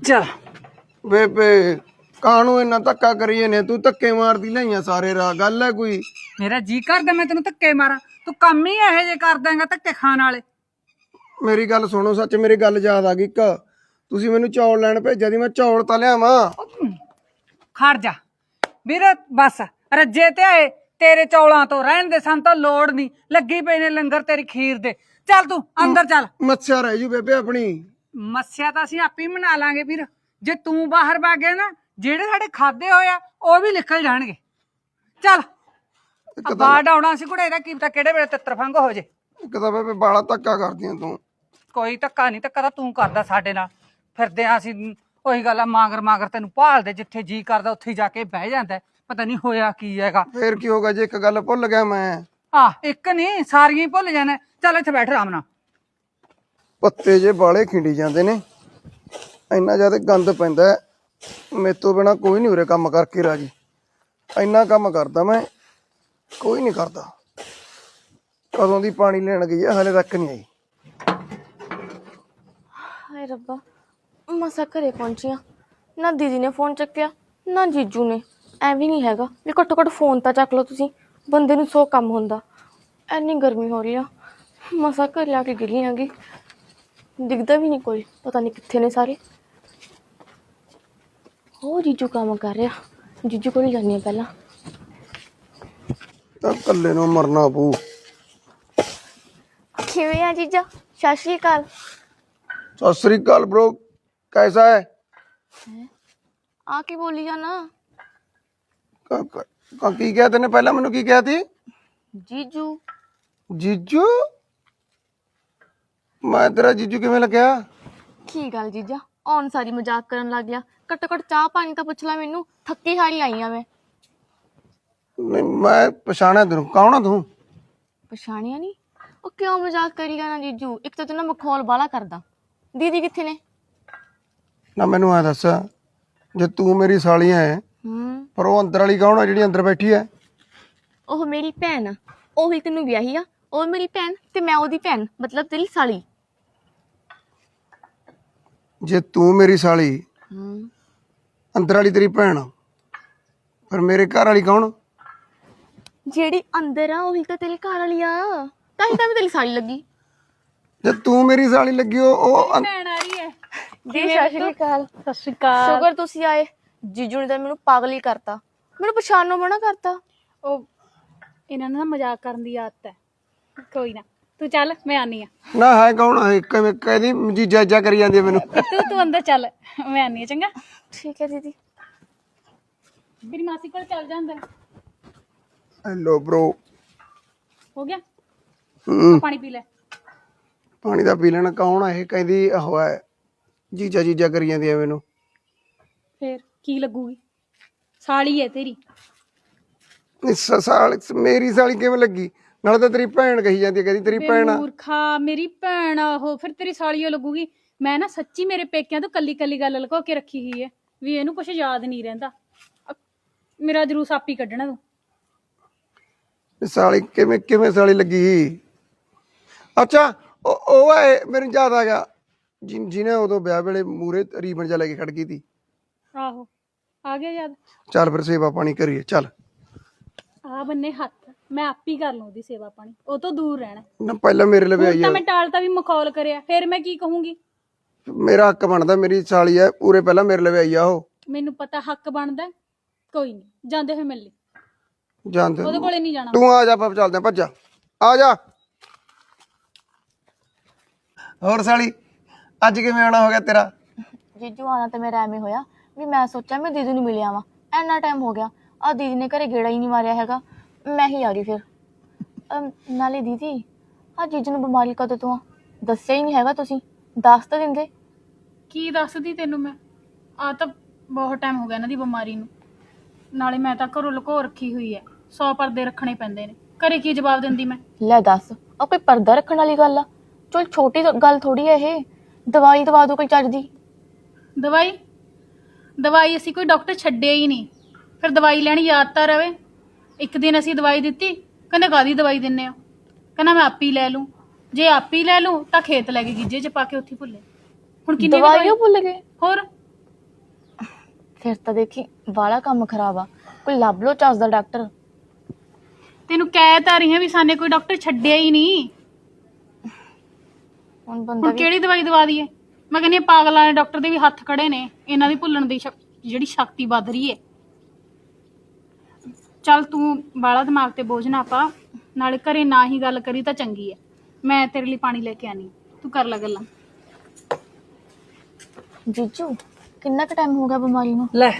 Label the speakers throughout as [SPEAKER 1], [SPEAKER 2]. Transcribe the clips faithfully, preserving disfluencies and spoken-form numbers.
[SPEAKER 1] चल
[SPEAKER 2] ਬੇਬੇ ਕਾਹਨੂੰ ਇੰਨਾ ਧੱਕਾ ਕਰੀਏ ਨੇ ਤੂੰ ਧੱਕੇ ਮਾਰਦੀ ਲਈਆਂ ਸਾਰੇ ਰਾਹ ਗੱਲ ਹੈ ਕੋਈ
[SPEAKER 1] मेरा जी करदा मैं तेन धक्के मारा तू कम ही ਇਹੋ ਜਿਹੇ ਕਰ ਦੇਂਗਾ ਧੱਕੇ ਖਾਣ ਵਾਲੇ
[SPEAKER 2] ਮੇਰੀ ਗੱਲ ਸੁਣੋ ਸੱਚ ਮੇਰੀ ਗੱਲ ਯਾਦ ਆ ਗਈ ਇੱਕ ਤੁਸੀਂ ਮੈਨੂੰ ਚੌਲ ਲੈਣ ਭੇਜਿਆ ਦੀ ਮੈਂ ਚੌਲ ਤਾਂ ਲਿਆਵਾਂ
[SPEAKER 1] ਖੜ ਜਾ ਵੀਰ ਬਸ ਰੱਜੇ ਤੇ ਆਏ ਤੇਰੇ ਚੌਲਾਂ ਤੋਂ ਰਹਿਣ ਦੇ ਸਾਨੂੰ ਤਾਂ ਲੋੜ ਨਹੀਂ ਲੱਗੀ ਪਈ ਨੇ ਲੰਗਰ ਤੇਰੀ ਖੀਰ ਦੇ ਚੱਲ ਤੂੰ ਅੰਦਰ ਚੱਲ
[SPEAKER 2] ਮੱਛਿਆ ਰਹਿ ਜੂ ਬੇਬੇ ਆਪਣੀ
[SPEAKER 1] ਮੱਸਿਆ ਤਾਂ ਅਸੀਂ ਆਪੇ ਬਣਾ ਲਾਂਗੇ ਵੀਰ ਜੇ ਤੂੰ ਬਾਹਰ ਵਗ ਗਿਆ ਨਾ ਜਿਹੜੇ ਸਾਡੇ ਖਾਦੇ ਹੋਏ ਆ ਉਹ ਵੀ ਨਿਕਲ ਜਾਣਗੇ ਚੱਲ ਬਾੜ ਆਉਣਾ ਸੀ ਕੁੜੇ ਇਹਦਾ ਕੀ ਪਤਾ ਕਿਹੜੇ ਵੇਲੇ ਤਿੱਤਰ ਫੰਗ ਹੋ ਜੇ
[SPEAKER 2] ਇੱਕ ਤਾਂ ਬੇਬੇ ਬਾਲਾ ਧੱਕਾ ਕਰਦੀਆਂ ਤੂੰ
[SPEAKER 1] ਕੋਈ ਧੱਕਾ ਨਹੀਂ ਧੱਕਾ ਤਾਂ ਤੂੰ ਕਰਦਾ ਸਾਡੇ ਨਾਲ ਫਿਰਦੇ ਆ ਅਸੀਂ ਉਹੀ ਗੱਲ ਆ ਮਾਂਗਰ ਮਾਂਗਰ ਤੈਨੂੰ ਭਾਲਦੇ ਜਿੱਥੇ ਜੀ ਕਰਦਾ ਉੱਥੇ ਜਾ ਕੇ ਬਹਿ ਜਾਂਦਾ ਪਤਾ ਨਹੀਂ ਹੋਇਆ ਕੀ ਹੈਗਾ
[SPEAKER 2] ਫੇਰ ਕੀ ਹੋਗਾ ਜੇ ਇੱਕ ਗੱਲ ਭੁੱਲ ਗਿਆ ਮੈਂ
[SPEAKER 1] ਆ ਇੱਕ ਨਹੀਂ ਸਾਰੀਆਂ ਹੀ ਭੁੱਲ ਜਾਣਾ ਚੱਲ ਇੱਥੇ ਬੈਠ ਆਰਾਮ ਨਾਲ
[SPEAKER 2] ਪੱਤੇ ਜੇ ਬਾਲੇ ਖਿੰਡੀ ਜਾਂਦੇ ਨੇ ਇੰਨਾ ਜ਼ਿਆਦਾ ਗੰਦ ਪੈਂਦਾ ਮੇਰੇ ਤੋਂ ਬਿਨਾ ਕੋਈ ਨਹੀਂ ਉਰੇ ਕੰਮ ਕਰਕੇ ਰਾਜੀ ਇੰਨਾ ਕੰਮ ਕਰਦਾ ਮੈਂ ਕੋਈ ਨਹੀਂ ਕਰਦਾ ਕਦੋਂ ਦੀ ਪਾਣੀ ਲੈਣ ਗਈ ਹੈ ਹਲੇ ਤੱਕ ਨਹੀਂ ਆਈ
[SPEAKER 3] ਹਾਏ ਰੱਬਾ ਮਸਾ ਘਰੇ ਪਹੁੰਚੀਆਂ ਨਾ ਦੀਦੀ ਨੇ ਫੋਨ ਚੱਕਿਆ ਨਾ ਜੀਜੂ ਨੇ ਐਵੇਂ ਨਹੀਂ ਹੈਗਾ ਵੀ ਘੱਟੋ ਘੱਟ ਫੋਨ ਤਾਂ ਚੱਕ ਲਓ ਤੁਸੀਂ ਬੰਦੇ ਨੂੰ ਸੌ ਕੰਮ ਹੁੰਦਾ ਐਨੀ ਗਰਮੀ ਹੋ ਰਹੀ ਆ ਮਸਾ ਘਰੇ ਆ ਕੇ ਗਿਰੀ ਆਂਗੀ ਦਿਖਦਾ ਵੀ ਨਹੀਂ ਕੋਈ ਪਤਾ ਨਹੀਂ ਕਿੱਥੇ ਨੇ ਸਾਰੇ ਉਹ ਜੀਜੂ ਕੰਮ ਕਰ ਰਿਹਾ ਜੀਜੂ ਕੋਲ ਜਾਂਦੀ ਆ ਪਹਿਲਾਂ
[SPEAKER 2] ਤਾਂ ਇਕੱਲੇ ਨੂੰ ਮਰਨਾ ਪਊ
[SPEAKER 3] ਕਿਵੇਂ ਆ ਜੀਜਾ ਸਤਿ ਸ਼੍ਰੀ ਅਕਾਲ
[SPEAKER 2] ਸਤਿ ਸ੍ਰੀ ਅਕਾਲ ਬ్రో कैसा है
[SPEAKER 3] ਆ ਕੀ ਬੋਲੀ ਜਾਣਾ
[SPEAKER 2] ਕ- ਕ- ਕ- ਕੀ ਕਿਹਾ ਤੈਨੇ ਪਹਿਲਾਂ ਮੈਨੂੰ ਕੀ ਕਿਹਾ ਸੀ
[SPEAKER 3] ਜੀਜੂ
[SPEAKER 2] ਜੀਜੂ ਮੈਂ ਤੇਰਾ ਜੀਜੂ ਕਿਵੇਂ ਲੱਗਿਆ
[SPEAKER 3] ਕੀ ਗੱਲ ਜੀਜਾ ਔਨ ਸਾਰੀ ਮਜ਼ਾਕ ਕਰਨ ਲੱਗ ਗਿਆ ਘੱਟੋ ਘੱਟ ਚਾਹ ਪਾਣੀ ਤਾਂ ਪੁੱਛ ਲੈ ਮੈਨੂੰ ਥੱਕੀ ਹਾਰੀ ਆਈ ਆ ਮੈਂ
[SPEAKER 2] ਨਹੀਂ ਮੈਂ ਪਛਾਣਿਆ ਤੈਨੂੰ ਕੌਣ ਆ ਤੂੰ
[SPEAKER 3] ਪਛਾਣਿਆ ਨਹੀਂ ਉਹ ਕਿਉਂ ਮਜ਼ਾਕ ਕਰੀ ਜਾਣਾ ਜੀਜੂ ਇੱਕ ਤਾਂ ਤੂੰ ਨਾ ਮਖੌਲ ਬਾਲਾ ਕਰਦਾ ਦੀਦੀ ਕਿੱਥੇ ਨੇ
[SPEAKER 2] ਨਾ ਮੈਨੂੰ ਆ ਦੱਸ ਜੇ ਤੂੰ ਮੇਰੀ ਸਾਲੀ ਹੈ
[SPEAKER 3] ਹੂੰ
[SPEAKER 2] ਪਰ ਉਹ ਅੰਦਰ ਵਾਲੀ ਕੌਣ ਆ ਜਿਹੜੀ ਅੰਦਰ ਬੈਠੀ ਹੈ
[SPEAKER 3] ਉਹ ਮੇਰੀ ਭੈਣ ਆ ਉਹੀ ਤੈਨੂੰ ਵਿਆਹੀ ਆ ਉਹ ਮੇਰੀ ਭੈਣ ਤੇ ਮੈਂ ਉਹਦੀ ਭੈਣ ਮਤਲਬ ਤੇਰੀ ਸਾਲੀ
[SPEAKER 2] ਜੇ ਤੂੰ ਮੇਰੀ ਸਾਲੀ
[SPEAKER 3] ਹੂੰ
[SPEAKER 2] ਅੰਦਰ ਵਾਲੀ ਤੇਰੀ ਭੈਣ ਆ, ਪਰ ਮੇਰੇ ਘਰ ਵਾਲੀ ਕੌਣ
[SPEAKER 3] ਜਿਹੜੀ ਅੰਦਰ ਆ ਉਹੀ ਤਾਂ ਤੇਰੀ ਘਰ ਵਾਲੀ ਆ ਤਾਂ ਹੀ ਤਾਂ ਮੈਂ ਤੇਰੀ ਸਾਲੀ ਲੱਗੀ
[SPEAKER 2] ਜੇ ਤੂੰ ਮੇਰੀ ਸਾਲੀ ਲੱਗੀ ਉਹ ਉਹ ਅੰ-
[SPEAKER 1] ਭੈਣ ਆ ਰਹੀ ਹੈ
[SPEAKER 3] ਜੀ ਸਤਿ ਸ਼੍ਰੀ ਅਕਾਲ
[SPEAKER 1] ਸਤਿ ਸ਼੍ਰੀ ਅਕਾਲ
[SPEAKER 3] ਸ਼ੁਕਰ ਤੁਸੀਂ ਆਏ ਜੀਜੂ ਨੇ ਤਾਂ ਮੈਨੂੰ ਪਾਗਲ ਹੀ ਕਰਤਾ ਮੈਨੂੰ ਪਛਾਣਨੋਂ ਮਨਾ ਕਰਤਾ
[SPEAKER 4] ਉਹ ਇਹਨਾਂ ਨੂੰ ਨਾ ਮਜ਼ਾਕ ਕਰਨ ਦੀ ਆਦਤ ਹੈ ਕੋਈ ਨਾ ਤੂੰ ਚੱਲ ਮੈਂ ਆਨੀ ਆ
[SPEAKER 2] ਨਾ ਹੈ ਕੌਣ ਹੈ ਕਿਵੇਂ ਕਹਿੰਦੀ ਜੀਜਾ ਜੀਜਾ ਕਰੀ ਜਾਂਦੀ ਹੈ ਮੈਨੂੰ
[SPEAKER 4] ਤੂੰ ਤੂੰ ਅੰਦਰ ਚੱਲ ਮੈਂ ਆਨੀ ਆ ਚੰਗਾ
[SPEAKER 3] ਠੀਕ ਹੈ ਦੀਦੀ
[SPEAKER 4] ਮੇਰੀ ਮਾਸੀ ਕੋਲ ਚੱਲ ਜਾ ਅੰਦਰ
[SPEAKER 2] ਹੈਲੋ ਬ్రో
[SPEAKER 4] ਹੋ ਗਿਆ
[SPEAKER 2] ਹੂੰ
[SPEAKER 4] ਪਾਣੀ ਪੀ ਲੈ
[SPEAKER 2] ਪਾਣੀ ਦਾ ਪੀ ਲੈਣਾ ਕੌਣ ਆ ਇਹ ਕਹਿੰਦੀ ਉਹ ਹੈ ਜੀਜਾ ਜੀਜਾ ਕਰੀ ਜਾਂਦੀ ਹੈ ਮੈਨੂੰ
[SPEAKER 4] ਫੇਰ ਕੀ ਲੱਗੂਗੀ ਸਾਲੀ ਹੈ ਤੇਰੀ
[SPEAKER 2] ਇਸ ਸਾਲ ਮੇਰੀ ਸਾਲੀ ਕਿਵੇਂ ਲੱਗੀ ਨਾਲੇ ਤਾਂ ਤੇਰੀ ਭੈਣ ਕਹੀ ਜਾਂਦੀ ਹੈ ਕਹਿੰਦੀ ਤੇਰੀ ਭੈਣ ਆ
[SPEAKER 4] ਮੂਰਖਾ ਮੇਰੀ ਭੈਣ ਆ ਉਹ ਫਿਰ ਤੇਰੀ ਸਾਲੀਓ ਲੱਗੂਗੀ ਮੈਂ ਨਾ ਸੱਚੀ ਮੇਰੇ ਪੇਕਿਆਂ ਤੋਂ ਕੱਲੀ ਕੱਲੀ ਗੱਲ ਲੁਕੋ ਕੇ ਰੱਖੀ ਹੋਈ ਹੈ ਵੀ ਇਹਨੂੰ ਕੁਝ ਯਾਦ ਨਹੀਂ ਰਹਿੰਦਾ ਅ- ਮੇਰਾ ਜਰੂਰ ਆਪੀ ਕੱਢਣਾ ਤੂੰ
[SPEAKER 2] ਸਾਲੀ ਕਿਵੇਂ ਕਿਵੇਂ ਸਾਲੀ ਲੱਗੀ ਅੱਛਾ ਉਹ ਉਹ ਹੈ ਮੈਨੂੰ ਯਾਦ ਆ ਗਿਆ ਜਿ- ਜਿਹਨੇ ਉਦੋਂ ਵਿਆਹ ਵੇਲੇ ਮੂਰੇ ਰੀਬਨ ਜਾ ਲੈ ਕੇ ਖੜ ਗਈ ਸੀ
[SPEAKER 4] ਆਹੋ ਆ ਗਿਆ ਯਾਦ
[SPEAKER 2] ਚੱਲ ਫਿਰ ਸੇਵਾ ਪਾਣੀ ਕਰੀਏ ਚੱਲ
[SPEAKER 4] ਆ ਬੰਨੇ ਹੱਥ ਮੈਂ ਆਪੀ ਕਰ ਲਵਾਂ ਉਹਦੀ ਸੇਵਾ ਪਾਣੀ ਉਹ ਤੋਂ ਦੂਰ ਰਹਿਣਾ
[SPEAKER 2] ਨਾ ਪਹਿਲਾਂ ਮੇਰੇ ਲਈ
[SPEAKER 4] ਹੁਣ
[SPEAKER 2] ਆਈ
[SPEAKER 4] ਤਾਂ
[SPEAKER 2] ਆ
[SPEAKER 4] ਮੈਂ ਟਾਲਤਾ ਵੀ ਮਖੌਲ ਕਰਿਆ ਫਿਰ ਮੈਂ ਕੀ ਕਹੂੰਗੀ
[SPEAKER 2] ਮੇਰਾ ਹੱਕ ਬਣਦਾ ਮੇਰੀ ਸਾਲੀ ਹੈ ਪੂਰੇ ਪਹਿਲਾਂ ਮੇਰੇ ਲਈ ਆਈ ਆ ਉਹ
[SPEAKER 4] ਮੈਨੂੰ ਪਤਾ ਹੱਕ ਬਣਦਾ ਕੋਈ ਨਹੀਂ ਜਾਂਦੇ ਹੋਏ ਮਿਲ ਲਈ
[SPEAKER 2] ਜਾਣਦੇ
[SPEAKER 4] ਉਹਦੇ ਕੋਲੇ ਨਹੀਂ ਜਾਣਾ
[SPEAKER 2] ਤੂੰ ਆ ਜਾ ਆਪਾਂ ਚੱਲਦੇ ਆ ਭੱਜਾ ਆ ਜਾ ਹੋਰ ਸਾਲੀ ਅੱਜ ਕਿਵੇਂ ਆਉਣਾ ਹੋ ਗਿਆ ਤੇਰਾ
[SPEAKER 3] ਜੀਜੂ ਆਣਾ ਤਾਂ ਮੇਰਾ ਐਵੇਂ ਹੋਇਆ ਵੀ ਮੈਂ ਸੋਚਿਆ ਮੈਂ ਦੀਦੀ ਨੂੰ ਮਿਲਿਆ ਵਾਂ ਇੰਨਾ ਟਾਈਮ ਹੋ ਗਿਆ ਆ ਦੀਦੀ ਨੇ ਘਰੇ ਗੇੜਾ ਹੀ ਨਹੀਂ ਮਾਰਿਆ ਹੈਗਾ ਮੈਂ ਹੀ ਆ ਰਹੀ ਫਿਰ ਅਮ, ਨਾਲੇ ਦੀਦੀ ਆ ਜੀਜੂ ਨੂੰ ਬਿਮਾਰੀ ਕਦੋਂ ਤੋਂ ਆ ਦੱਸਿਆ ਹੀ ਨਹੀਂ ਹੈਗਾ ਤੁਸੀਂ ਦੱਸ ਤਾਂ ਦਿੰਦੇ
[SPEAKER 4] ਕੀ ਦੱਸਦੀ ਤੈਨੂੰ ਮੈਂ ਆ ਤਾਂ ਬਹੁਤ ਟਾਈਮ ਹੋ ਗਿਆ ਇਹਨਾਂ ਦੀ ਬਿਮਾਰੀ ਨੂੰ ਨਾਲੇ ਮੈਂ ਤਾਂ ਘਰੋਂ ਲੁਕੋ ਰੱਖੀ ਹੋਈ ਹੈ ਸੌ ਪਰਦੇ ਰੱਖਣੇ ਪੈਂਦੇ ਨੇ ਘਰੇ ਕੀ ਜਵਾਬ ਦਿੰਦੀ ਮੈਂ
[SPEAKER 3] ਲੈ ਦੱਸ ਆ ਕੋਈ ਪਰਦਾ ਰੱਖਣ ਵਾਲੀ ਗੱਲ ਆ ਚਲ ਛੋਟੀ ਗੱਲ ਥੋੜੀ ਹੈ ਇਹ ਦਵਾਈ ਦਵਾ ਦੋ ਕੋਈ ਚੱਜ ਦੀ
[SPEAKER 4] ਦਵਾਈ ਦਵਾਈ ਅਸੀਂ ਕੋਈ ਡਾਕਟਰ ਛੱਡਿਆ ਹੀ ਨਹੀਂ ਫਿਰ ਦਵਾਈ ਲੈਣੀ ਯਾਦ ਤਾਂ ਰਵੇ ਇੱਕ ਦਿਨ ਅਸੀਂ ਦਵਾਈ ਦਿੱਤੀ ਕਹਿੰਦਾ ਕਾਹਦੀ ਦਵਾਈ ਦਿੰਨੇ ਆ ਕਹਿੰਦਾ ਮੈਂ ਆਪੀ ਲੈ ਲੂੰ ਜੇ ਆਪੀ ਲੈ ਲੂੰ ਤਾਂ ਖੇਤ ਲੈ ਕੇ ਗਿੱਜੇ ਚ ਪਾ ਕੇ ਉੱਥੇ ਭੁੱਲੇ ਹੁਣ ਕਿੰਨੀ
[SPEAKER 3] ਦਵਾਈਓ ਭੁੱਲ ਗਏ
[SPEAKER 4] ਹੋਰ
[SPEAKER 3] ਫਿਰ ਤਾਂ ਦੇਖੀ ਵਾਲਾ ਕੰਮ ਖਰਾਬ ਆ। ਕੋਈ ਲੱਭ ਲੋ ਚੱਜ ਦਾ ਡਾਕਟਰ।
[SPEAKER 4] ਤੈਨੂੰ ਕਹਿ ਤਾਂ ਰਹੀ ਹਾਂ ਵੀ ਸਾਨੇ ਕੋਈ ਡਾਕਟਰ ਛੱਡਿਆ ਹੀ ਨਹੀਂ।
[SPEAKER 3] ਹੁਣ ਬੰਦਾ
[SPEAKER 4] ਹੁਣ
[SPEAKER 3] ਵੀ
[SPEAKER 4] ਕਿਹੜੀ ਦਵਾਈ ਦਵਾ ਦਈਏ? ਮੈਂ ਕਹਿੰਦੀ ਹਾਂ ਪਾਗਲਾਂ ਦੇ ਡਾਕਟਰ ਦੇ ਵੀ ਹੱਥ ਖੜੇ ਨੇ, ਇਹਨਾਂ ਦੀ ਭੁੱਲਣ ਦੀ ਸ਼ਕ- ਜਿਹੜੀ ਸ਼ਕਤੀ ਵੱਧ ਰਹੀ ਹੈ। ਚੱਲ ਤੂੰ ਬਾਲਾ ਦਿਮਾਗ ਤੇ ਬੋਝ ਨਾ ਪਾ, ਨਾਲੇ ਘਰੇ ਨਾ ਹੀ ਗੱਲ ਕਰੀ ਤਾਂ ਚੰਗੀ ਹੈ। ਮੈਂ ਤੇਰੇ ਲਈ ਪਾਣੀ ਲੈ ਕੇ ਆਨੀ, ਤੂੰ ਕਰ ਲੈ ਗੱਲਾਂ।
[SPEAKER 3] ਜੀਜੂ ਕਿੰਨਾ ਕੁ ਟਾਈਮ ਹੋ ਗਿਆ ਬਿਮਾਰੀ ਨੂੰ?
[SPEAKER 1] ਲੈ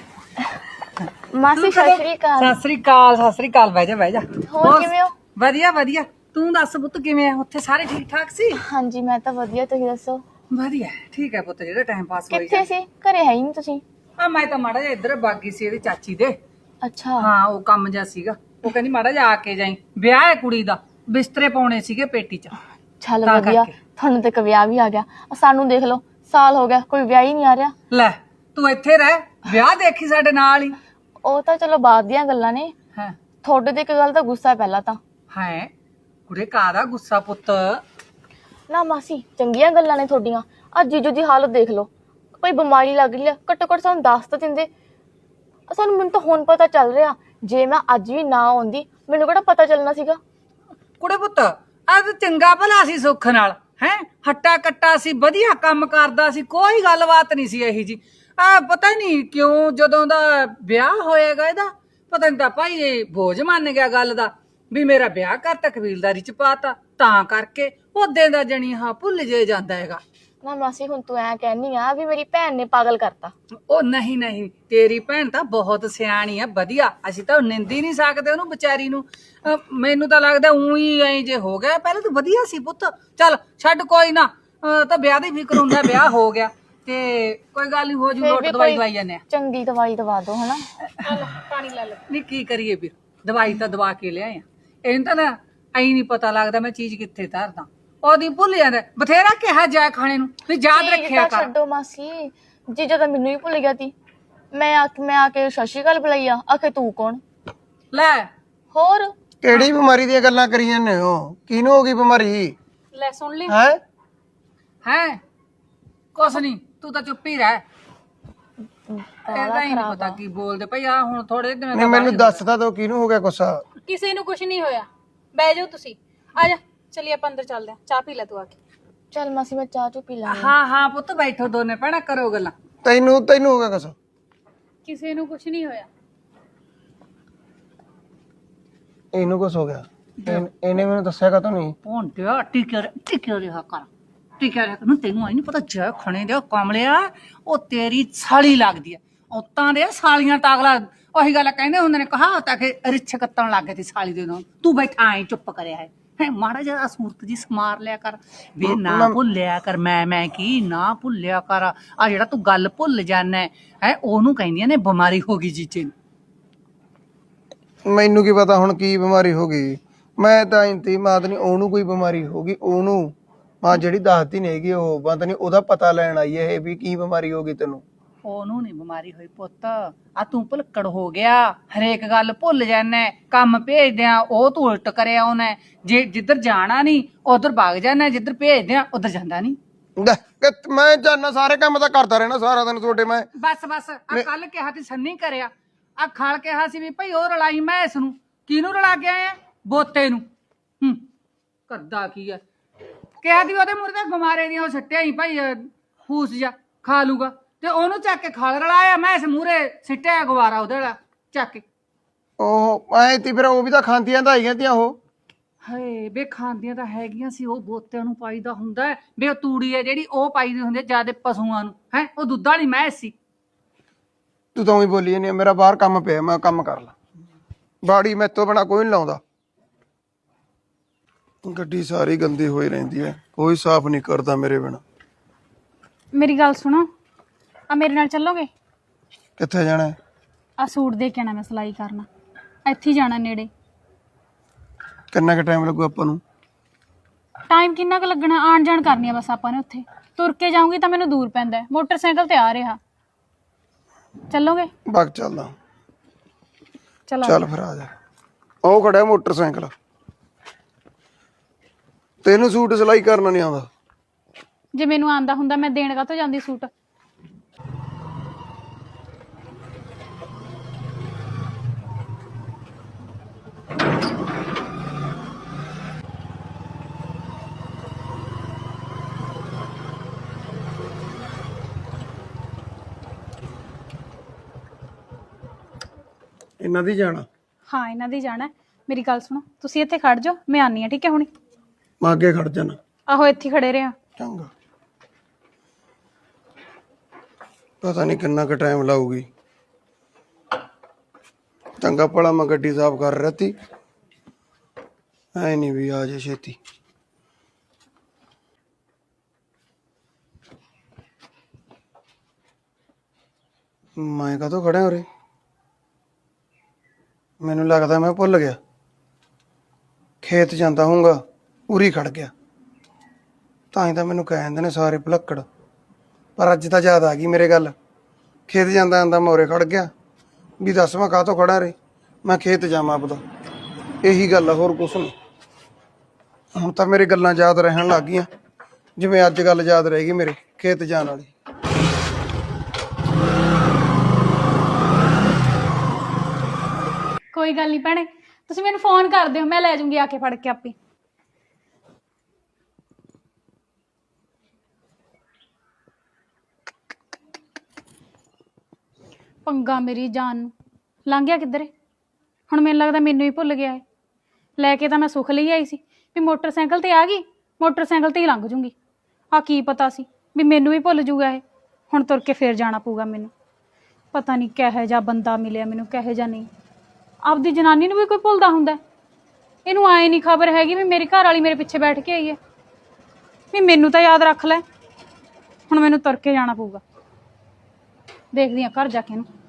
[SPEAKER 3] ਮਾਸੀ ਸਤਿ ਸ਼੍ਰੀ ਅਕਾਲ।
[SPEAKER 1] ਸਤਿ ਸ੍ਰੀ ਅਕਾਲ ਸਤਿ ਸ੍ਰੀ ਅਕਾਲ। ਬਹਿ ਜਾ ਬਹਿ ਜਾ।
[SPEAKER 3] ਹੋਰ ਕਿਵੇਂ ਹੋ?
[SPEAKER 1] ਵਧੀਆ ਵਧੀਆ। ਤੂੰ ਦੱਸ ਪੁੱਤ ਕਿਵੇਂ ਆ? ਉੱਥੇ ਸਾਰੇ ਠੀਕ ਠਾਕ ਸੀ?
[SPEAKER 3] ਹਾਂਜੀ ਮੈਂ ਤਾਂ ਵਧੀਆ, ਤੁਸੀਂ ਦੱਸੋ?
[SPEAKER 1] ਵਧੀਆ ਠੀਕ ਹੈ ਪੁੱਤ, ਜਿਹੜਾ ਟਾਈਮ ਪਾਸ ਹੋਈ
[SPEAKER 3] ਕਿੱਥੇ ਸੀ? ਘਰੇ ਹੈ ਹੀ ਨਹੀਂ ਤੁਸੀਂ।
[SPEAKER 1] ਆ ਮੈਂ ਤਾਂ ਮਾੜਾ ਜਿਹਾ ਇੱਧਰ ਬਾਗੀ ਸੀ ਇਹਦੀ ਚਾਚੀ ਦੇ।
[SPEAKER 3] ਅੱਛਾ
[SPEAKER 1] ਹਾਂ ਉਹ ਕੰਮ ਜਿਹਾ ਸੀਗਾ, ਉਹ ਕਹਿੰਦੀ ਮਾੜਾ ਜਿਹਾ ਆ ਕੇ ਜਾਈ, ਵਿਆਹ ਹੈ ਕੁੜੀ ਦਾ, ਬਿਸਤਰੇ ਪਾਉਣੇ ਸੀਗੇ ਪੇਟੀ 'ਚ।
[SPEAKER 3] ਚੱਲ
[SPEAKER 1] ਤਾਂ
[SPEAKER 3] ਵਧੀਆ,
[SPEAKER 1] ਕਰਕੇ।
[SPEAKER 3] ਤੁਹਾਨੂੰ ਤੇ ਇੱਕ ਵਿਆਹ ਵੀ ਆ ਗਿਆ। ਆਹ ਸਾਨੂੰ ਦੇਖ ਲਓ, ਸਾਲ ਹੋ ਗਿਆ ਕੋਈ ਵਿਆਹ ਹੀ ਨਹੀਂ ਆ ਰਿਹਾ।
[SPEAKER 1] ਲੈ ਤੂੰ ਇੱਥੇ ਰਹਿ, ਵਿਆਹ ਦੇਖੀ ਸਾਡੇ ਨਾਲ ਹੀ।
[SPEAKER 3] ਉਹ ਤਾਂ ਚਲੋ ਬਾਅਦ ਦੀਆਂ ਗੱਲਾਂ ਨੇ।
[SPEAKER 1] ਹੈ
[SPEAKER 3] ਤੁਹਾਡੇ ਤੇ ਇੱਕ ਗੱਲ ਦਾ ਗੁੱਸਾ ਹੈ ਪਹਿਲਾਂ ਤਾਂ।
[SPEAKER 1] ਹੈ ਕੁੜੇ ਕਾਹਦਾ ਗੁੱਸਾ ਪੁੱਤ?
[SPEAKER 3] ਨਾ ਮਾਸੀ ਚੰਗੀਆਂ ਗੱਲਾਂ ਨੇ ਤੁਹਾਡੀਆਂ। ਅੱਜ ਜੀਜੂ ਦੀ ਹਾਲਤ ਦੇਖ ਲਓ, ਕੋਈ ਬਿਮਾਰੀ ਲੱਗ ਰਹੀ ਆ, ਘੱਟੋ ਘੱਟ ਸਾਨੂੰ ਦੱਸ ਤਾਂ ਦਿੰਦੇ। ਸਾਨੂੰ ਮੈਨੂੰ ਤਾਂ ਹੁਣ ਪਤਾ ਚੱਲ ਰਿਹਾ, ਜੇ ਮੈਂ ਅੱਜ ਵੀ ਨਾ ਆਉਂਦੀ ਮੈਨੂੰ ਕਿਹੜਾ ਪਤਾ ਚੱਲਣਾ ਸੀਗਾ।
[SPEAKER 1] ਕੁੜੇ ਪੁੱਤ ਆ ਤਾਂ ਚੰਗਾ ਭਲਾ ਸੀ ਸੁੱਖ ਨਾਲ, ਹੈ ਹੱਟਾ ਕੱਟਾ ਸੀ, ਵਧੀਆ ਕੰਮ ਕਰਦਾ ਸੀ, ਕੋਈ ਗੱਲਬਾਤ ਨਹੀਂ ਸੀ ਇਹੀ ਜੀ। ਆ ਪਤਾ ਨਹੀਂ ਕਿਉਂ ਜਦੋਂ ਦਾ ਵਿਆਹ ਹੋਏਗਾ ਇਹਦਾ, ਪਤਾ ਨਹੀਂ ਤਾਂ ਭਾਈ ਇਹ ਬੋਝ ਮੰਨ ਗਿਆ ਗੱਲ ਦਾ ਵੀ ਮੇਰਾ ਵਿਆਹ ਕਰਤਾ, ਕਬੀਲਦਾਰੀ ਚ ਪਾਤਾ, ਤਾਂ ਕਰਕੇ ਉਹਦੇ ਦਾ ਜਣੀ ਹਾਂ ਭੁੱਲ ਜੇ ਜਾਂਦਾ ਹੈਗਾ।
[SPEAKER 3] ਨਾ ਮਾਸੀ ਹੁਣ ਤੂੰ ਐ ਕਹਿਨੀ ਆ ਵੀ ਮੇਰੀ ਭੈਣ ਨੇ ਪਾਗਲ ਕਰਤਾ।
[SPEAKER 1] ਉਹ ਨਹੀਂ ਨਹੀਂ, ਤੇਰੀ ਭੈਣ ਤਾਂ ਬਹੁਤ ਸਿਆਣੀ ਆ, ਵਧੀਆ, ਅਸੀਂ ਤਾਂ ਨਿੰਦੀ ਨਹੀਂ ਸਕਦੇ ਉਹਨੂੰ ਵਿਚਾਰੀ ਨੂੰ। ਅਹ ਮੈਨੂੰ ਤਾਂ ਲੱਗਦਾ ਉਹੀ ਐ ਜੇ ਹੋ ਗਿਆ, ਪਹਿਲਾਂ ਤਾਂ ਵਧੀਆ ਸੀ ਪੁੱਤ। ਚੱਲ ਛੱਡ ਕੋਈ ਨਾ, ਅਹ ਤਾਂ ਵਿਆਹ ਦੀ ਫਿਕਰ ਹੁੰਦਾ, ਵਿਆਹ ਹੋ ਗਿਆ ਤੇ ਕੋਈ ਗੱਲ ਨਹੀਂ, ਹੋ ਜੂ,
[SPEAKER 3] ਫਿਰ
[SPEAKER 1] ਲੋਟ
[SPEAKER 3] ਵੀ
[SPEAKER 1] ਦਵਾਈ
[SPEAKER 3] ਕੋਈ
[SPEAKER 1] ਦਵਾਈ ਜਾਂਦੇ ਆ।
[SPEAKER 3] ਚੰਗੀ ਦਵਾਈ ਦਵਾ ਦਿਓ ਹਨਾ।
[SPEAKER 4] ਪਾਣੀ ਲੈ ਲੈ।
[SPEAKER 1] ਨਹੀਂ ਕੀ ਕਰੀਏ ਵੀਰ, ਦਵਾਈ ਤਾਂ ਦਵਾ ਕੇ ਲਿਆਏ ਆ, ਇਹਨੂੰ ਤਾਂ ਨਾ ਐਂ ਨਹੀਂ ਪਤਾ ਲੱਗਦਾ ਮੈਂ ਚੀਜ਼ ਕਿੱਥੇ ਧਰਦਾ, ਉਹਦੀ ਭੁੱਲ ਜਾਂਦਾ। ਬਥੇਰਾ ਕਿਹਾ ਜਾ ਖਾਣੇ ਨੂੰ ਵੀ ਯਾਦ
[SPEAKER 3] ਚੀਜ਼
[SPEAKER 1] ਰੱਖਿਆ
[SPEAKER 3] ਤਾਂ
[SPEAKER 1] ਕਰ।
[SPEAKER 3] ਛੱਡੋ ਮਾਸੀ, ਜੀਜਾ ਤਾਂ ਮੈਨੂੰ ਹੀ ਭੁੱਲ ਗਿਆ ਤੀ। ਮੈਂ ਆ ਮੈਂ ਆ ਕੇ ਸਤਿ ਸ਼੍ਰੀ ਅਕਾਲ ਬੁਲਾਈ ਆ, ਆਖੇ ਤੂੰ ਕੌਣ?
[SPEAKER 1] ਲੈ
[SPEAKER 3] ਹੋਰ
[SPEAKER 2] ਕਿਹੜੀ ਬਿਮਾਰੀ ਦੀਆਂ ਗੱਲਾਂ ਕਰੀ ਜਾਂਦੇ ਹੋ? ਕਿਹਨੂੰ ਹੋ ਗਈ ਬਿਮਾਰੀ?
[SPEAKER 4] ਲੈ ਸੁਣ ਲਈ।
[SPEAKER 2] ਹੈ
[SPEAKER 1] ਹੈ ਕੁਛ ਨਹੀਂ, ਤੂੰ ਤਾਂ ਚੁੱਪ ਹੀ ਰਹਿ। ਇਹਦਾ ਹੀ ਨਹੀਂ ਪਤਾ ਕੀ ਬੋਲਦੇ ਭਈ। ਆ ਹੁਣ ਥੋੜੇ ਦਿਨ
[SPEAKER 2] ਨਹੀਂ ਮੈਨੂੰ ਦੱਸ ਤਾਂ ਦੋ ਕਿਹਨੂੰ ਹੋ ਗਿਆ ਗੁੱਸਾ?
[SPEAKER 4] ਕਿਸੇ ਨੂੰ ਕੁਝ ਨਹੀਂ ਹੋਇਆ, ਬਹਿ ਜਾਓ ਤੁਸੀਂ। ਆ ਜਾ ਚਲਿਏ ਆਪਾਂ ਅੰਦਰ ਚੱਲਦੇ ਆ, ਚਾਹ ਪੀ ਲੈ ਤੂੰ ਆ ਕੇ।
[SPEAKER 3] ਚੱਲ ਮਾਸੀ ਮੈਂ ਚਾਹ ਚੂ ਪੀ ਲਾਂਗੀ।
[SPEAKER 1] ਹਾਂ ਹਾਂ ਪੁੱਤ ਬੈਠੋ ਦੋਨੇ ਭੈਣਾਂ, ਕਰੋ ਗੱਲਾਂ।
[SPEAKER 2] ਤੈਨੂੰ ਤੈਨੂੰ ਹੋ ਗਿਆ ਗੁੱਸਾ?
[SPEAKER 4] ਕਿਸੇ ਨੂੰ ਕੁਝ ਨਹੀਂ ਹੋਇਆ।
[SPEAKER 2] ਇਹਨੂੰ ਕੁਛ ਹੋ ਗਿਆ? ਇਹਨ- ਇਹਨੇ ਮੈਨੂੰ ਦੱਸਿਆ ਕਾ ਨਹੀਂ?
[SPEAKER 1] ਪੌਣ ਤੇ ਟਿਕਿਆ ਟਿਕਿਆ ਰਿਹਾ ਕਰ, ਟਿਕਿਆ ਰਿਹਾ ਕਰ। ਤੈਨੂੰ ਆਈ ਨਹੀਂ ਪਤਾ, ਜੈ ਖਣੇ ਦੇ ਕਮਲਿਆ, ਉਹ ਤੇਰੀ ਸਾਲੀ ਲੱਗਦੀ ਆ। ਔਤਾਂ ਦੇ ਸਾਲੀਆਂ ਤਾਗਲਾ, ਉਹੀ ਗੱਲ ਕਹਿੰਦੇ ਹੁੰਦੇ ਨੇ, ਕਹਾਵਤ ਆ ਕਿ ਰਿਛ ਕੱਤਣ ਲੱਗ ਗਏ ਤੇ ਸਾਲੀ ਦੇ ਨਾਲ। ਤੂੰ ਬੈਠਾ ਐ ਚੁੱਪ ਕਰਿਆ ਹੈ ਹੈ ਮਾੜਾ ਜਿਹਾ ਸੂਰਤ ਜੀ ਸਮਾਰ ਲਿਆ ਕਰ ਵੇ, ਨਾ ਭੁੱਲਿਆ ਕਰ ਮੈਂ ਮੈਂ ਕੀ ਨਾ ਭੁੱਲਿਆ ਕਰ। ਆ ਜਿਹੜਾ ਤੂੰ ਗੱਲ ਭੁੱਲ ਜਾਣਾ ਹੈ, ਉਹਨੂੰ ਕਹਿੰਦੀਆਂ ਨੇ ਬਿਮਾਰੀ ਹੋ ਗਈ ਜੀਜੇ ਨੂੰ।
[SPEAKER 2] ਮੈਨੂੰ ਕੀ ਪਤਾ ਹੁਣ ਕੀ ਬਿਮਾਰੀ ਹੋ ਗਈ? ਮੈਂ ਤਾਂ ਇੰਤੀ ਮਾਤ ਨਹੀਂ, ਉਹਨੂੰ ਕੋਈ ਬਿਮਾਰੀ ਹੋ ਗਈ ਉਹਨੂੰ। ਮਾਂ ਜਿਹੜੀ ਦੱਸਦੀ ਨਹੀਂ ਹੈਗੀ, ਉਹ ਬੰਦ ਨਹੀਂ, ਉਹਦਾ ਪਤਾ ਲੈਣ ਆਈ ਇਹ ਵੀ ਕੀ ਬਿਮਾਰੀ ਹੋ ਗਈ ਤੈਨੂੰ।
[SPEAKER 1] ਉਹਨੂੰ ਨਹੀਂ ਬਿਮਾਰੀ ਹੋਈ ਪੁੱਤ, ਆ ਤੂੰ ਭੁਲੱਕੜ ਹੋ ਗਿਆ, ਹਰੇਕ ਗੱਲ ਭੁੱਲ ਜਾਣਾ। ਕੰਮ ਭੇਜਦੇ ਆ ਉਹ ਤੂੰ ਉਲਟ ਕਰਿਆ ਉਹਨੇ, ਜੇ ਜਿੱਧਰ ਜਾਣਾ ਨਹੀਂ ਉਧਰ ਭੱਗ ਜਾਣਾ, ਜਿੱਧਰ ਭੇਜਦੇ ਆ ਉਧਰ ਜਾਂਦਾ ਨਹੀਂ।
[SPEAKER 2] ਲੈ, ਕਿ ਮੈਂ ਜਾਨਾ ਸਾਰੇ ਕੰਮ ਤਾਂ ਕਰਦਾ ਰਹਿਣਾ ਸਾਰਾ ਦਿਨ ਤੁਹਾਡੇ। ਮੈਂ
[SPEAKER 1] ਬਸ ਬਸ ਆ ਕੱਲ ਕਿਹਾ ਤੇ ਸੰਨੀ ਕਰਿਆ, ਆ ਖਾਲ ਕਿਹਾ ਸੀ ਵੀ ਭਾਈ ਉਹ ਰਲਾਈ ਮੈਂ ਇਸ ਨੂੰ। ਕਿਹਨੂੰ ਰਲਾ ਕੇ ਆਏ ਆ? ਬੋਤੇ ਨੂੰ। ਹੂੰ ਕਰਦਾ ਕੀ ਆ? ਕਿਹਾ ਦੀ ਉਹਦੇ ਮੂਹਰੇ ਤਾਂ ਗਮਾਰੇ ਦੀਆਂ ਉਹ ਸੱਟਿਆ ਹੀ ਭਾਈ, ਫੂਸ ਜਾ ਖਾ ਲੂਗਾ, ਤੇ ਉਹਨੂੰ ਚੱਕ ਕੇ ਖਾਲ ਰਲਾਇਆ। ਮੈਂ ਇਸ ਮੂਹਰੇ ਸਿੱਟਿਆ ਗਵਾਰਾ ਉਹਦੇ ਵਾਲਾ ਚੱਕ ਕੇ।
[SPEAKER 2] ਉਹ ਐ ਤੀ ਫਿਰ ਉਹ ਵੀ ਤਾਂ ਖਾਂਦੀਆਂ ਤਾਂ ਆਈਆਂ ਤੀਆਂ ਉਹ।
[SPEAKER 1] ਹਏ ਬੇ ਖਾਂਦੀਆਂ ਤਾਂ ਹੈਗੀਆਂ ਸੀ, ਉਹ ਬੋਤਿਆਂ ਨੂੰ ਪਾਈਦਾ ਹੁੰਦਾ ਹੈ ਬੇ। ਉਹ ਤੂੜੀ ਹੈ ਜਿਹੜੀ ਉਹ ਪਾਈਦੀ ਹੁੰਦੀ ਹੈ ਜਿਆਦੇ ਪਸ਼ੂਆਂ ਨੂੰ, ਹੈ ਉਹ ਦੁੱਧ ਵਾਲੀ ਮੈਂ ਸੀ।
[SPEAKER 2] ਤੂੰ ਤਾਂ ਉਹੀ ਬੋਲੀ ਜਾਂਦੀ ਆ, ਮੇਰਾ ਬਾਹਰ ਕੰਮ ਪਿਆ ਮੈਂ ਕੰਮ ਕਰ ਲਾਂ। ਬਾੜੀ ਮੈਥੋਂ ਬਿਨਾ ਕੋਈ ਨਹੀਂ ਲਾਉਂਦਾ। ਗੱਡੀ ਸਾਰੀ ਗੰਦੀ ਹੋਈ ਰਹਿੰਦੀ ਹੈ, ਕੋਈ ਸਾਫ਼ ਨਹੀਂ ਕਰਦਾ ਮੇਰੇ ਬਿਨਾ।
[SPEAKER 4] ਮੇਰੀ ਗੱਲ ਸੁਣੋ, ਆ ਮੇਰੇ ਨਾਲ ਚੱਲੋਗੇ?
[SPEAKER 2] ਕਿੱਥੇ ਜਾਣਾ?
[SPEAKER 4] ਆ ਸੂਟ ਦੇ ਕੇ ਆਣਾ, ਮੈਂ ਸਿਲਾਈ ਕਰਨਾ, ਇੱਥੇ ਹੀ ਜਾਣਾ ਨੇੜੇ।
[SPEAKER 2] ਕਿੰਨਾ ਕੁ ਟਾਈਮ ਲੱਗੂ ਆਪਾਂ ਨੂੰ?
[SPEAKER 4] ਟਾਈਮ ਕਿੰਨਾ ਕੁ ਲੱਗਣਾ, ਆਣ ਜਾਣ ਕਰਨੀ ਆ ਬਸ ਆਪਾਂ ਨੇ। ਉੱਥੇ ਤੁਰ ਕੇ ਜਾਊਂਗੀ ਤਾਂ ਮੈਨੂੰ ਦੂਰ ਪੈਂਦਾ, ਮੋਟਰਸਾਈਕਲ ਤੇ ਆ ਰਿਹਾ। ਚੱਲੋਗੇ?
[SPEAKER 2] ਬਾਗ ਚੱਲਦਾ।
[SPEAKER 4] ਚਲੋ
[SPEAKER 2] ਚੱਲ ਫਿਰ ਆ ਜਾ। ਉਹ ਖੜਿਆ ਮੋਟਰਸਾਈਕਲ। ਤੈਨੂੰ ਸੂਟ ਸਿਲਾਈ ਕਰਨਾ ਨਹੀਂ ਆਉਂਦਾ?
[SPEAKER 4] ਜੇ ਮੈਨੂੰ ਆਂਦਾ ਹੁੰਦਾ ਮੈਂ ਦੇਣ ਕਾਹਤੋਂ ਜਾਂਦੀ ਸੂਟ।
[SPEAKER 2] ਇਹਨਾਂ ਦੀ ਜਾਣਾ?
[SPEAKER 4] ਹਾਂ ਇਹਨਾਂ ਦੀ ਜਾਣਾ ਹੈ। ਮੇਰੀ ਗੱਲ ਸੁਣੋ, ਤੁਸੀਂ ਇੱਥੇ ਖੜ ਜਾਓ, ਮੈਂ ਆਨੀ ਆ, ਠੀਕ ਹੈ ਹੁਣੀ।
[SPEAKER 2] ਮੈਂ ਅੱਗੇ ਖੜ ਜਾਣਾ।
[SPEAKER 4] ਆਹੋ ਇੱਥੇ ਖੜੇ ਰਿਹਾ।
[SPEAKER 2] ਚੰਗਾ। ਪਤਾ ਨਹੀਂ ਕਿੰਨਾ ਕੁ ਟਾਈਮ ਲਾਊਗੀ। ਚੰਗਾ ਭਲਾ ਮੈਂ ਗੱਡੀ ਸਾਫ਼ ਕਰ ਰਹੀ ਤੀ, ਐ ਨਹੀਂ ਵੀ ਆ ਜੇ ਛੇਤੀ। ਮੈਂ ਕਦੋਂ ਖੜਿਆ ਉਰੇ? ਮੈਨੂੰ ਲੱਗਦਾ ਮੈਂ ਭੁੱਲ ਗਿਆ। ਖੇਤ ਜਾਂਦਾ ਹੋਊਗਾ, ਉਰੀ ਖੜ ਗਿਆ। ਤਾਂ ਹੀ ਤਾਂ ਮੈਨੂੰ ਕਹਿ ਦਿੰਦੇ ਨੇ ਸਾਰੇ ਭੁਲੱਕੜ। ਪਰ ਅੱਜ ਤਾਂ ਯਾਦ ਆ ਗਈ ਮੇਰੇ ਗੱਲ। ਖੇਤ ਜਾਂਦਾ ਜਾਂਦਾ ਮੈਂ ਉਰੇ ਖੜ ਗਿਆ ਵੀ ਦੱਸ ਮੈਂ ਕਾਹਤੋਂ ਖੜਾ ਰੇ। ਮੈਂ ਖੇਤ ਜਾਵਾਂ ਆਪਦਾ, ਇਹੀ ਗੱਲ ਆ, ਹੋਰ ਕੁਛ ਨਹੀਂ। ਹੁਣ ਤਾਂ ਮੇਰੇ ਗੱਲਾਂ ਯਾਦ ਰਹਿਣ ਲੱਗ ਗਈਆਂ, ਜਿਵੇਂ ਅੱਜ ਗੱਲ ਯਾਦ ਰਹੇਗੀ ਮੇਰੇ ਖੇਤ ਜਾਣ ਵਾਲੀ।
[SPEAKER 4] ਕੋਈ ਗੱਲ ਨਹੀਂ ਭੈਣੇ, ਤੁਸੀਂ ਮੈਨੂੰ ਫੋਨ ਕਰ ਦਿਓ, ਮੈਂ ਲੈ ਜਾਊਂਗੀ ਆ ਕੇ ਫੜ ਕੇ ਆਪੇ। ਪੰਗਾ ਮੇਰੀ ਜਾਨ ਨੂੰ ਲੰਘ ਗਿਆ ਕਿੱਧਰੇ। ਹੁਣ ਮੈਨੂੰ ਲੱਗਦਾ ਮੈਨੂੰ ਹੀ ਭੁੱਲ ਗਿਆ ਹੈ। ਲੈ ਕੇ ਤਾਂ ਮੈਂ ਸੁੱਖ ਲਈ ਆਈ ਸੀ ਵੀ ਮੋਟਰਸਾਈਕਲ ਤੇ ਆ ਗਈ, ਮੋਟਰਸਾਈਕਲ ਤੇ ਹੀ ਲੰਘ ਜੂੰਗੀ। ਆ ਕੀ ਪਤਾ ਸੀ ਵੀ ਮੈਨੂੰ ਹੀ ਭੁੱਲ ਜੂਗਾ ਇਹ। ਹੁਣ ਤੁਰ ਕੇ ਫੇਰ ਜਾਣਾ ਪਊਗਾ ਮੈਨੂੰ। ਪਤਾ ਨਹੀਂ ਕਿਹੋ ਜਿਹਾ ਬੰਦਾ ਮਿਲਿਆ ਮੈਨੂੰ, ਕਿਹੋ ਜਿਹਾ ਨਹੀਂ। ਆਪਦੀ ਜਨਾਨੀ ਨੂੰ ਵੀ ਕੋਈ ਭੁੱਲਦਾ ਹੁੰਦਾ? ਇਹਨੂੰ ਆਏ ਨਹੀਂ ਖਬਰ ਹੈਗੀ ਵੀ ਮੇਰੀ ਘਰ ਵਾਲੀ ਮੇਰੇ ਪਿੱਛੇ ਬੈਠ ਕੇ ਆਈ ਹੈ। ਵੀ ਮੈਨੂੰ ਤਾਂ ਯਾਦ ਰੱਖ ਲੈ। ਹੁਣ ਮੈਨੂੰ ਤੁਰ ਕੇ ਜਾਣਾ ਪਊਗਾ, ਦੇਖਦੀ ਹਾਂ ਘਰ ਜਾ ਕੇ ਇਹਨੂੰ।